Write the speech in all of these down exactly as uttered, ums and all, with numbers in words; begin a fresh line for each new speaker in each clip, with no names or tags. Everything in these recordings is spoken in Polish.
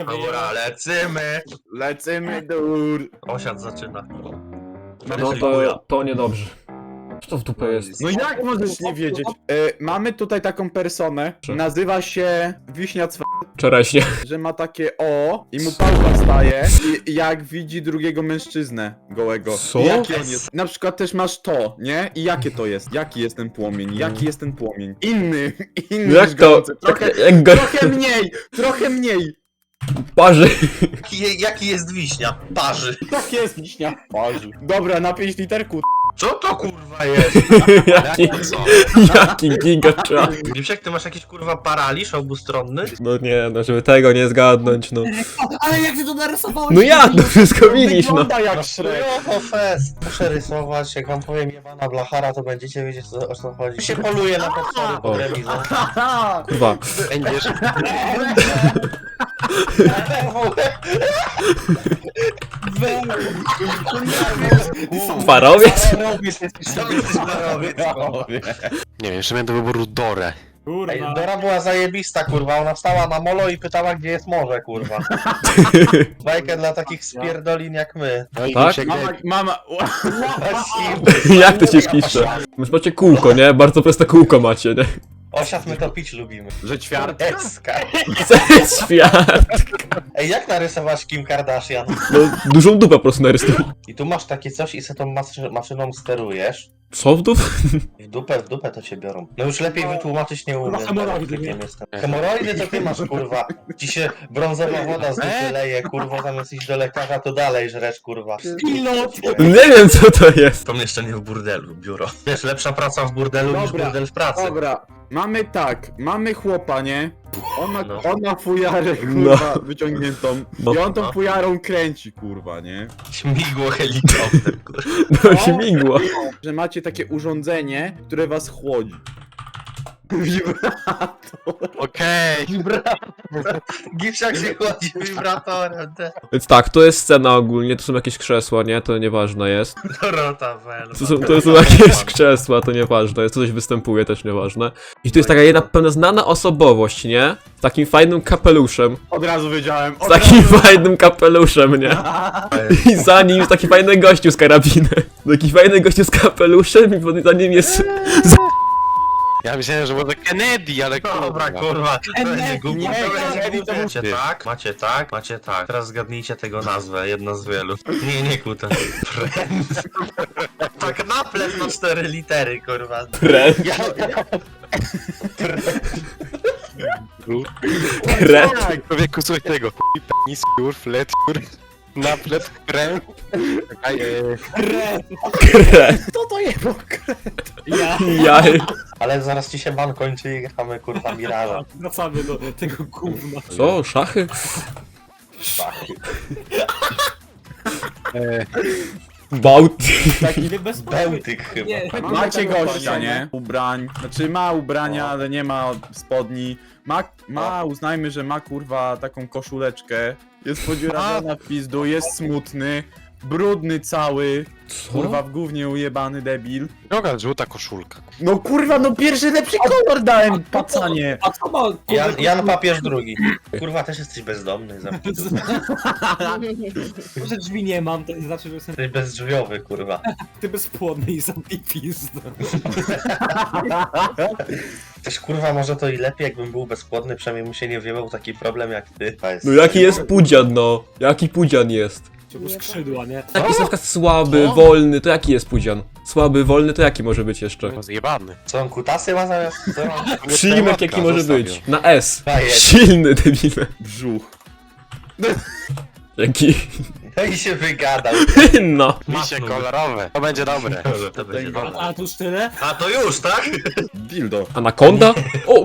Dobra, lecymy!
Lecymy dur.
Osiad zaczyna.
No to, to niedobrze. Co to w dupę jest?
No jak możesz nie wiedzieć? E, mamy tutaj taką personę, nazywa się Wiśnia Cwa,
Czereśnie.
że ma takie o i mu pałka staje i jak widzi drugiego mężczyznę gołego.
Co?
I jaki on jest? Na przykład też masz to, nie? I jakie to jest? Jaki jest ten płomień? Jaki jest ten płomień? Inny, inny
Jak
niż
to?
gorący. Trochę,
Jak go
trochę mniej, trochę mniej.
parzy.
Jaki, jaki jest wiśnia? Parzy.
Tak jest Wiśnia. Parzy. Dobra, na pięć literku.
Co to kurwa jest?
Jaki,
Jak co?
jaki gigacza.
Gipsiak, ty masz jakiś kurwa paraliż obustronny?
No nie, no żeby tego nie zgadnąć, no.
Ale jak ty to narysowałeś?
No jak, no wszystko widzisz, no.
Wygląda jak Shrek.
Shrek. fest. Muszę rysować, jak wam powiem jebana blachara, to będziecie wiedzieć co, o co chodzi. Się poluje na potwory
O.
pod remizą.
Haha.
Kurwa.
Będziesz.
Parowiec?
Nie wiem, jeszcze miałem do wyboru Dorę.
Ej, Dora była zajebista, kurwa, ona stała na molo i pytała, gdzie jest morze, kurwa. Bajkę dla takich spierdolin jak my.
No i
Tak?
się
Mama, mama.
Jak to się pisze? Już macie kółko, nie? Bardzo proste kółko macie, nie?
Osiad my to pić lubimy.
Że ćwiart.
Eska.
Co jest świat?
Ej, jak narysować Kim Kardashian?
No, dużą dupę po prostu narysuj.
I tu masz takie coś i se tą masy maszyną sterujesz.
Co w dup?
I w dupę, w dupę to cię biorą. No już lepiej wytłumaczyć nie umiem.
hemoroidy,
elektrykiem
nie?
jestem. Hemoroidy to ty masz, kurwa. Ci się brązowa woda z dupy leje, kurwa, zamiast iść do lekarza, to dalej żresz, kurwa.
Pilot!
Nie wiem co to jest.
Pomieszczenie w burdelu, biuro. Wiesz, lepsza praca w burdelu niż
Dobra,
burdel w pracy.
Dobra, mamy tak, mamy chłopa, nie? On ma,
No.
on ma fujarę, kurwa, wyciągniętą.
No.
I on tą
No.
fujarą kręci, kurwa, nie?
Śmigło helikopter, kurwa.
No śmigło.
Że macie takie urządzenie, które was chłodzi. Wibrator.
Okej.
Gipsiak się chodzi wibratorem, te.
Więc tak, to jest scena ogólnie, to są jakieś krzesła, nie? To nieważne jest.
Dorota Welma.
To są, to są jakieś krzesła, to nieważne jest. To coś występuje, też nieważne. I tu jest taka jedna pewna znana osobowość, nie? Z takim fajnym kapeluszem.
Od razu wiedziałem.
Z
Od
takim fajnym kapeluszem, nie? I za nim jest taki fajny gościu z karabinem. Taki fajny gościu z kapeluszem i za nim jest...
Ja myślałem, że może Kennedy, ale
Dobra, kurwa. To będzie głupie.
nie,
To
nie, to był
Macie
ty.
tak, macie tak, macie tak. Teraz zgadnijcie tego nazwę, jedno z wielu. Nie, nie kuta. Friends. Tak naplet na cztery litery, kurwa.
Kre...
Ja, ja,
Kre...
Człowieku, słuchaj tego. Penis, kur, flet, kur, naplet, krem. Czekaj, e,
Kre...
Co to jest?
Ja.
Jaj.
ale zaraz ci się ban kończy i gramy, kurwa, Miraża.
Wracamy do tego gówna.
Co? Szachy?
e,
Bałty.
Taki
Nie bez
Bełtyk chyba.
Nie.
macie gościa, nie? Ubrań. Znaczy ma ubrania, ale nie ma spodni. Ma, ma, uznajmy, że ma kurwa taką koszuleczkę. Jest podziurawiona w pizdu, jest smutny. Brudny cały. Kurwa w gównie ujebany debil.
droga, żółta koszulka.
No kurwa, no pierwszy lepszy kolor dałem, pacanie.
A co ma?
Jan, Jan Papież drugi. Kurwa, też jesteś bezdomny, zamknij.
Że drzwi nie mam, to nie znaczy, że jestem
Jesteś bezdrzwiowy, kurwa.
ty bezpłodny i zamknij pizdę.
Też kurwa, może to i lepiej, jakbym był bezpłodny, przynajmniej mu się nie wiewał taki problem jak ty. To jest-
No jaki jest pudzian, no? Jaki pudzian jest?
Ciągu skrzydła, nie?
Jak jest na przykład słaby,
Co?
wolny, to jaki jest pudzian? Słaby, wolny, to jaki może być jeszcze?
No, zjebany.
Co on kutasy ma zamiast? Co on?
Przyjmek jaki może być? Na S.
Daję.
Silny, debile.
Brzuch.
Jaki?
No i się wygadał.
No.
Misie kolorowe. To będzie dobre.
To będzie
A,
dobre.
a tu już tyle?
A to już, tak?
Dildo.
Anakonda? O!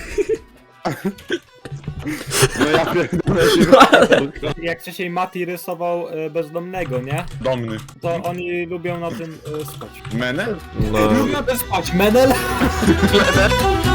No ja pierdolę się.
Jak wcześniej Mati rysował e, bezdomnego, nie?
Domny.
To oni lubią na tym e, spać.
Menel?
No.
Lubią na tym spać, menel?